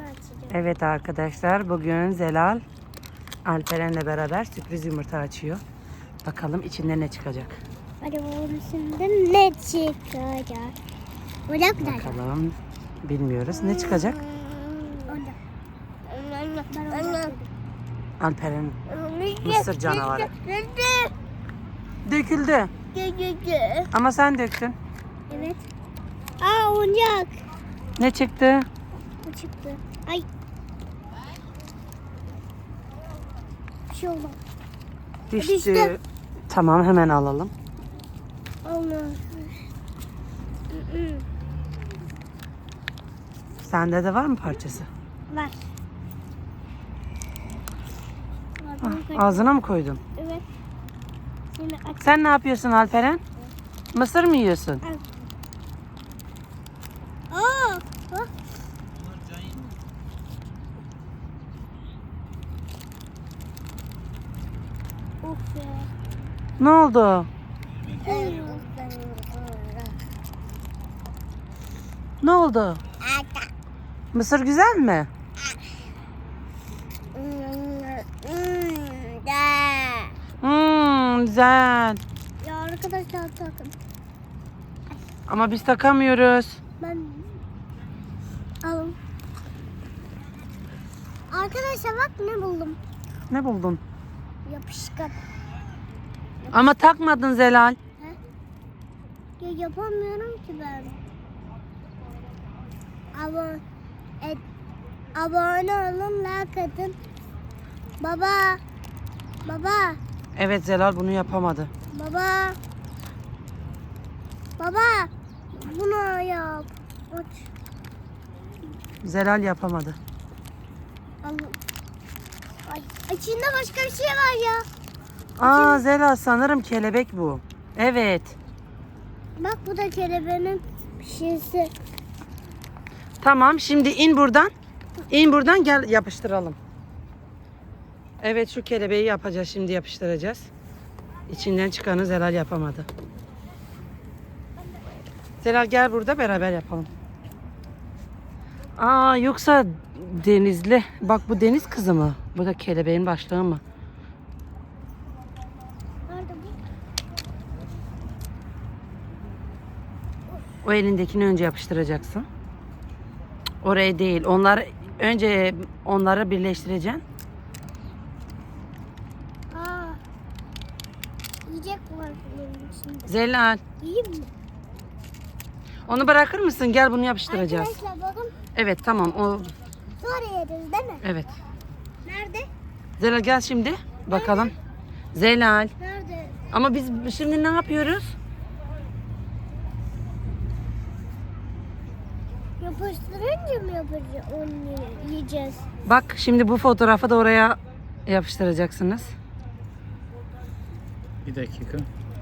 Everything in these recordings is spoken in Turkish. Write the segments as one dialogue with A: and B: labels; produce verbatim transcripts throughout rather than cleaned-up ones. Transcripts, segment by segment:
A: açacağım.
B: Evet arkadaşlar, bugün Zelal Alperen'le beraber sürpriz yumurta açıyor. Bakalım içinde ne çıkacak.
A: Hadi onun içinde ne çıkacak? Orada mı?
B: Bakalım. Bilmiyoruz. Ne çıkacak?
A: Orada. Ben orada.
B: Alperen mısır canavarı. Döküldü. Ama sen döktün.
A: Evet. Aa, oyuncak.
B: Ne çıktı?
A: Bu çıktı. Ay. Bir şey oldu.
B: Düştü.
A: Düştü.
B: Tamam, hemen alalım.
A: Allah.
B: Sende de var mı parçası?
A: Var.
B: Ah, ağzına mı koydun?
A: Evet. Şimdi aç.
B: Sen ne yapıyorsun Alperen? Mısır mı yiyorsun?
A: Aa, bak. Of ya.
B: Ne oldu? Ne oldu? Mısır güzel mi? Hmm, güzel.
A: Ya arkadaşlar takın.
B: Ama biz takamıyoruz.
A: Ben alın. Arkadaşlar bak ne buldum.
B: Ne buldun?
A: Yapışkan.
B: Ama takmadın Zelal.
A: Ya yapamıyorum ki ben. Abone, et, abone olun, like atın. Baba. Baba.
B: Evet, Zelal bunu yapamadı.
A: Baba. Baba. Bunu yap. Aç.
B: Zelal yapamadı.
A: Al. Ay, içinde başka bir şey var ya.
B: Aa Zelal, sanırım kelebek bu. Evet.
A: Bak bu da kelebeğin şişesi.
B: Tamam, şimdi in buradan. İn buradan, gel yapıştıralım. Evet, şu kelebeği yapacağız, şimdi yapıştıracağız. İçinden çıkanı Zelal yapamadı. Zelal gel, burada beraber yapalım. Aa, yoksa denizli. Bak, bu deniz kızı mı? Bu da kelebeğin başlığı mı?
A: Nerede bu?
B: O elindekini önce yapıştıracaksın. Oraya değil. Onlar önce onları birleştireceksin.
A: Aa. Yiyecek var bunun içinde.
B: Zelal,
A: Yiyeyim mi?
B: onu bırakır mısın? Gel, bunu yapıştıracağız.
A: Arkadaşlar bakın.
B: Evet, tamam. O
A: Sonra yeriz değil mi?
B: evet.
A: Nerede?
B: Zelal gel şimdi. Bakalım. Zelal.
A: Nerede?
B: Ama biz şimdi ne yapıyoruz?
A: Yapıştırınca mı yapacağız? Onu yiyeceğiz.
B: Bak, şimdi bu fotoğrafı da oraya yapıştıracaksınız.
C: Bir dakika.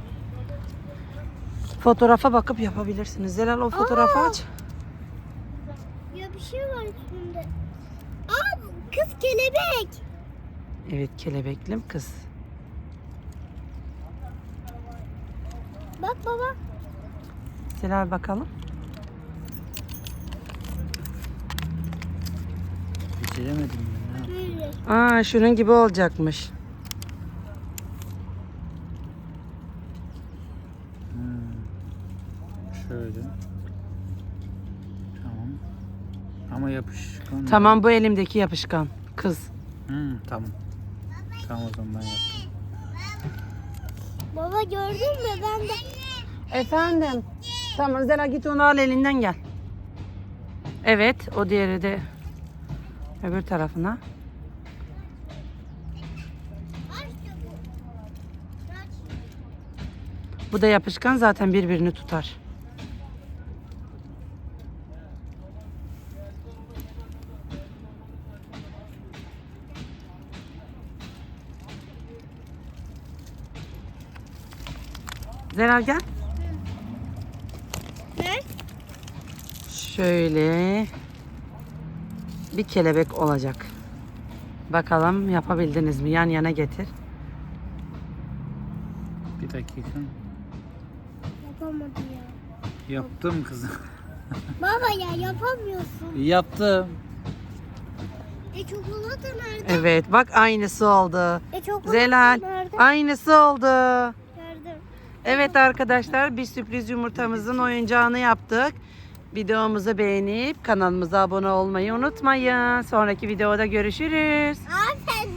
B: Fotoğrafa bakıp yapabilirsiniz. Zelal, o fotoğrafı
A: Aa!
B: aç.
A: Ya bir şey var üstünde. Aa, kız kelebek.
B: Evet, kelebeklim kız.
A: Bak baba.
B: Zelal bakalım.
C: Bitiremedim ben. Ya.
A: Böyle.
B: Aa, şunun gibi olacakmış.
C: Hmm. Şöyle. Tamam. Ama yapışkan.
B: Tamam, bu elimdeki yapışkan kız.
C: Hmm, tamam. Tamam, o zaman ben yaptım.
A: Baba gördün mü? Ben de.
B: Efendim. Tamam Zelal, git onu al, elinden gel. Evet, o diğeri de öbür tarafına. Bu da yapışkan, zaten birbirini tutar. Zelal gel.
A: Ne?
B: Şöyle bir kelebek olacak. Bakalım yapabildiniz mi? Yan yana getir.
C: Bir dakika.
A: Yapamadı ya.
C: Yaptım kızım.
A: Baba ya yapamıyorsun.
C: Yaptım.
A: E çikolata nerede?
B: Evet bak aynısı oldu.
A: E çikolata
B: Zelal
A: nerede?
B: aynısı oldu.
A: Gördüm.
B: Evet arkadaşlar bir sürpriz yumurtamızın oyuncağını yaptık. Videomuzu beğenip kanalımıza abone olmayı unutmayın. Sonraki videoda görüşürüz.
A: Aferin.